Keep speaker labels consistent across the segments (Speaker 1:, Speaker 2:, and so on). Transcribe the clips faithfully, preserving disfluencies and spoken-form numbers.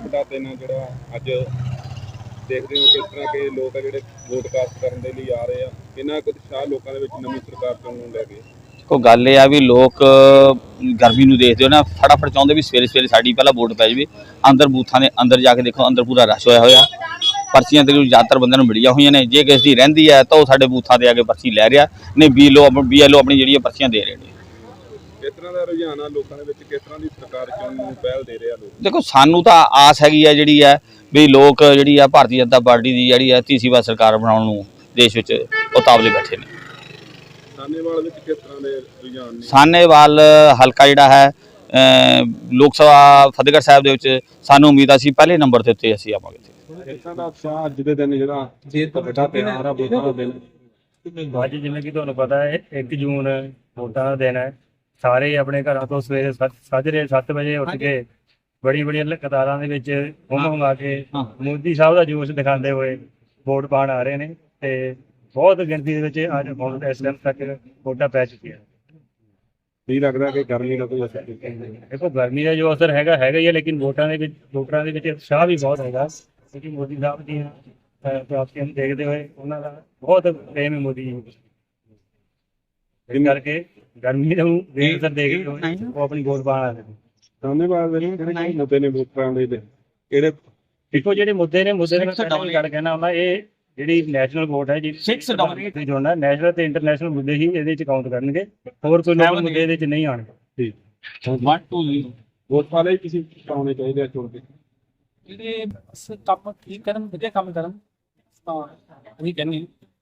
Speaker 1: ਵੱਡਾ ਦਿਨ ਹੈ ਜਿਹੜਾ ਅੱਜ ਦੇਖਦੇ ਹੋ ਕਿਸ ਤਰ੍ਹਾਂ ਕਿ ਲੋਕ ਆ ਜਿਹੜੇ ਵੋਟ ਕਾਸਟ ਕਰਨ ਦੇ ਲਈ ਆ ਰਹੇ ਆ, ਕਿੰਨਾ ਕੁ ਉਤਸ਼ਾਹ ਲੋਕਾਂ ਦੇ ਵਿੱਚ ਨਵੀਂ ਸਰਕਾਰ ਚੁਣਨ ਨੂੰ ਲੈ ਕੇ।
Speaker 2: ਦੇਖੋ ਗੱਲ ਇਹ ਆ ਵੀ ਲੋਕ ਗਰਮੀ ਨੂੰ ਦੇਖਦੇ ਹੋ ਨਾ, ਫਟਾਫਟ ਚਾਹੁੰਦੇ ਵੀ ਸਵੇਰੇ ਸਵੇਰੇ ਸਾਡੀ ਪਹਿਲਾਂ ਵੋਟ ਪੈ ਜਾਵੇ। ਅੰਦਰ ਬੂਥਾਂ ਦੇ ਅੰਦਰ ਜਾ ਕੇ ਦੇਖੋ, ਅੰਦਰ ਪੂਰਾ ਰਸ਼ ਹੋਇਆ ਹੋਇਆ, ਪਰਚੀਆਂ ਤੇ ਜ਼ਿਆਦਾਤਰ ਬੰਦਿਆਂ ਨੂੰ ਮਿਲੀਆਂ ਹੋਈਆਂ ਨੇ। ਜੇ ਕਿਸ ਦੀ ਰਹਿੰਦੀ ਹੈ ਤਾਂ ਉਹ ਸਾਡੇ ਬੂਥਾਂ ਤੇ ਆ ਕੇ ਪਰਚੀ ਲੈ ਰਿਹਾ, ਨਹੀਂ B L O B L O ਆਪਣੀ ਜਿਹੜੀਆਂ ਪਰਚੀਆਂ ਦੇ ਰਹੇ ਨੇ।
Speaker 1: ਕਿਸ ਤਰ੍ਹਾਂ ਦਾ ਰੁਝਾਨ ਆ ਲੋਕਾਂ ਦੇ ਵਿੱਚ, ਕਿਸ ਤਰ੍ਹਾਂ ਦੀ ਸਰਕਾਰ ਚੁਣਨ ਨੂੰ ਪਹਿਲ ਦੇ ਰਹੇ ਆ ਲੋਕ?
Speaker 2: ਦੇਖੋ ਸਾਨੂੰ ਤਾਂ ਆਸ ਹੈਗੀ ਆ ਜਿਹੜੀ ਹੈ ਵੀ ਲੋਕ ਜਿਹੜੀ ਆ ਭਾਰਤੀ ਜਨਤਾ ਪਾਰਟੀ ਦੀ ਜਿਹੜੀ ਹੈ ਤੀਸਰੀ ਵਾਰ ਸਰਕਾਰ ਬਣਾਉਣ ਨੂੰ ਦੇਸ਼ ਵਿੱਚ ਉਤਾਵਲੇ ਬੈਠੇ ਨੇ।
Speaker 1: ਸਾਨੇਵਾਲ ਵਿੱਚ ਕਿਸ ਤਰ੍ਹਾਂ ਦੇ ਰੁਝਾਨ ਨੇ?
Speaker 2: ਸਾਨੇਵਾਲ ਹਲਕਾ ਜਿਹੜਾ ਹੈ ਲੋਕ ਸਭਾ ਫਤਿਹਗੜ੍ਹ ਸਾਹਿਬ ਦੇ ਵਿੱਚ ਸਾਨੂੰ ਉਮੀਦ ਆ ਸੀ ਪਹਿਲੇ ਨੰਬਰ ਦੇ ਉੱਤੇ ਅਸੀਂ ਆਵਾਂਗੇ।
Speaker 1: ਕਿਸ ਤਰ੍ਹਾਂ ਦਾ ਉਤਸ਼ਾਹ ਅੱਜ ਦੇ ਦਿਨ ਜਿਹੜਾ ਵੱਡਾ ਤਿਉਹਾਰ ਆ ਵੋਟਾਂ ਦਾ ਦਿਨ?
Speaker 3: ਅੱਜ ਜਿਵੇਂ ਕਿ ਤੁਹਾਨੂੰ ਪਤਾ ਹੈ ਇੱਕ ਜੂਨ ਵੋਟਾਂ ਦਾ ਦਿਨ ਹੈ। ਸਾਰੇ ਆਪਣੇ ਘਰਾਂ ਤੋਂ ਸਵੇਰੇ ਸਾਜਰੇ ਸੱਤ ਵਜੇ ਉੱਠ ਕੇ ਬੜੀ ਬੜੀਆਂ ਕਤਾਰਾਂ ਦੇ ਵਿੱਚ ਹੁੰਮ ਹੁੰਮਾ ਕੇ ਮੋਦੀ ਸਾਹਿਬ ਦਾ ਜੋਸ਼ ਦਿਖਾਉਂਦੇ ਹੋਏ ਵੋਟ ਪਾਉਣ ਆ ਰਹੇ ਨੇ ਤੇ ਬਹੁਤ ਗਿਣਤੀ ਦੇ ਵਿੱਚ ਅੱਜ ਹੁਣ ਇਸ ਟਾਈਮ ਤੱਕ ਵੋਟਾਂ ਪੈ ਚੁੱਕੀਆਂ।
Speaker 1: ਕੀ ਲੱਗਦਾ ਕਿ ਗਰਮੀ ਦਾ ਕੋਈ ਅਸਰ?
Speaker 3: ਦੇਖੋ ਗਰਮੀ ਦਾ ਜੋ ਅਸਰ ਹੈਗਾ ਹੈਗਾ ਹੀ ਹੈ, ਲੇਕਿਨ ਵੋਟਾਂ ਦੇ ਵਿੱਚ ਵੋਟਰਾਂ ਦੇ ਵਿੱਚ ਉਤਸ਼ਾਹ ਵੀ ਬਹੁਤ ਹੈਗਾ ਕਿਉਂਕਿ ਮੋਦੀ ਸਾਹਿਬ ਦੀਆਂ ਪ੍ਰਾਪਤੀਆਂ ਨੂੰ ਦੇਖਦੇ ਹੋਏ ਉਹਨਾਂ ਦਾ ਬਹੁਤ ਪ੍ਰੇਮ ਹੈ ਮੋਦੀ ਜੀ। ਇਸ ਕਰਕੇ ਗਰਮੀ ਨੂੰ ਬੇਅਸਰ ਦੇਖ ਕੇ ਉਹ ਆਪਣੀ ਵੋਟ ਪਾਉਣ ਆ ਰਹੇ ਨੇ।
Speaker 1: ਸਾਨੇਵਾਲ ਦੇ ਜਿਹੜੇ ਮੁੱਦੇ ਨੇ ਵੋਟਰਾਂ ਦੇ ਕਿਹੜੇ?
Speaker 3: ਦੇਖੋ ਜਿਹੜੇ ਮੁੱਦੇ ਨੇ ਮੁੱਦੇ ਨੇ ਗੱਲ ਕਹਿਣਾ ਹੁੰਦਾ, ਇਹ ਜਿਹੜੀ ਨੈਸ਼ਨਲ ਵੋਟ ਹੈ ਜਿਹੜੀ ਜੋੜਨਾ ਨੈਸ਼ਨਲ ਤੇ ਇੰਟਰਨੈਸ਼ਨਲ ਮੁੱਦੇ ਹੀ ਇਹਦੇ ਵਿੱਚ ਕਾਊਂਟ ਕਰਨਗੇ, ਹੋਰ ਕੋਈ ਲੋਕਲ ਮੁੱਦੇ ਇਹਦੇ ਵਿੱਚ ਨਹੀਂ ਆਉਣਗੇ।
Speaker 1: ਠੀਕ ਵਨ ਟੂ ਵੋਟ ਵਾਲੇ ਕਿਸੇ ਪਾਉਣੇ ਚਾਹੀਦੇ ਆ ਚੁਣ ਕੇ,
Speaker 4: ਜਿਹੜੇ ਕੰਮ ਠੀਕ ਕਰਨ, ਵਧੀਆ ਕੰਮ ਕਰਨ ਤਾਂ ਉਹੀ ਕਹਿੰਦੇ।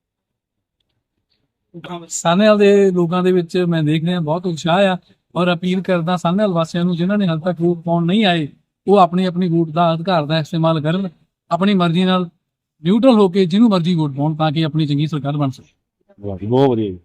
Speaker 4: ਸਾਨੇਵਾਲ ਦੇ ਲੋਕਾਂ ਦੇ ਵਿੱਚ ਮੈਂ ਦੇਖ ਰਿਹਾ ਬਹੁਤ ਉਤਸ਼ਾਹ ਆ ਔਰ ਅਪੀਲ ਕਰਦਾ ਸਾਨੇਵਾਲ ਵਾਸੀਆਂ ਨੂੰ ਜਿਨ੍ਹਾਂ ਨੇ ਹਾਲੇ ਤੱਕ ਵੋਟ ਪਾਉਣ ਨਹੀਂ ਆਏ, ਉਹ ਆਪਣੀ ਆਪਣੀ ਵੋਟ ਦਾ ਅਧਿਕਾਰ ਦਾ ਇਸਤੇਮਾਲ ਕਰਨ, ਆਪਣੀ ਮਰਜ਼ੀ ਨਾਲ ਨਿਊਟਰਲ ਹੋ ਕੇ ਜਿਹਨੂੰ ਮਰਜ਼ੀ ਵੋਟ ਪਾਉਣ ਤਾਂ ਕਿ ਆਪਣੀ ਚੰਗੀ ਸਰਕਾਰ ਬਣ ਸਕੇ।
Speaker 1: ਬਹੁਤ ਵਧੀਆ।